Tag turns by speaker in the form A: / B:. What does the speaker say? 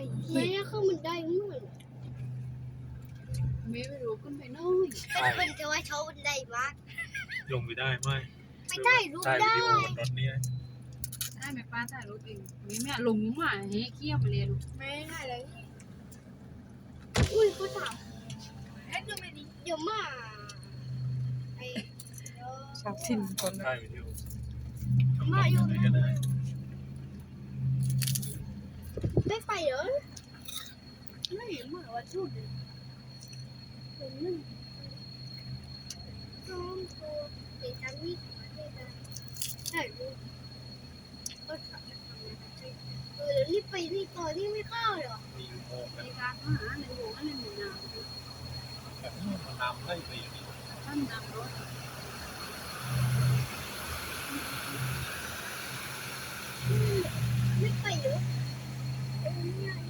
A: แม่เข้ามันได้เหมือน
B: ไม่รู้ขึ้นไปน้อย
A: เป็นจะว่าเขามันได้มาก
C: ลงไปได้ไหม
A: ไม่ได้รู้
C: ถ่ายวิ
A: ได้
C: ดีโอบนรถเนี่ย
B: ได้ไหมป้าถ่ายรูปเองแม่ลงมาเฮ้ยเขี้ยวมาเรียน
A: ไม่ได้เลยอุ้ยเขาถามเอ๊ะดูไม่ดีเดี๋ยวมาไอ้
D: ชอบทิ้งคน
C: ถ่ายวิดีโอ
A: มาอยู่
C: ไหนก็ได้
A: ไม่ไปเหรอไม่เหมือนว่าชุดเป็นหนึ่งน้องตัวเด็กกันนี่ใช่ลูกก็ทำเดี๋ยวนี่ไปนี่ต่อนี่ไม่เข้าเหรอ
C: มีโมง
B: ในการหาในหัวในหมู่นา
C: แบบนี้มันนำได้ไปอย่างนี้
B: ท่านนำรถ
A: ไม่ไปเหรอเนี่ย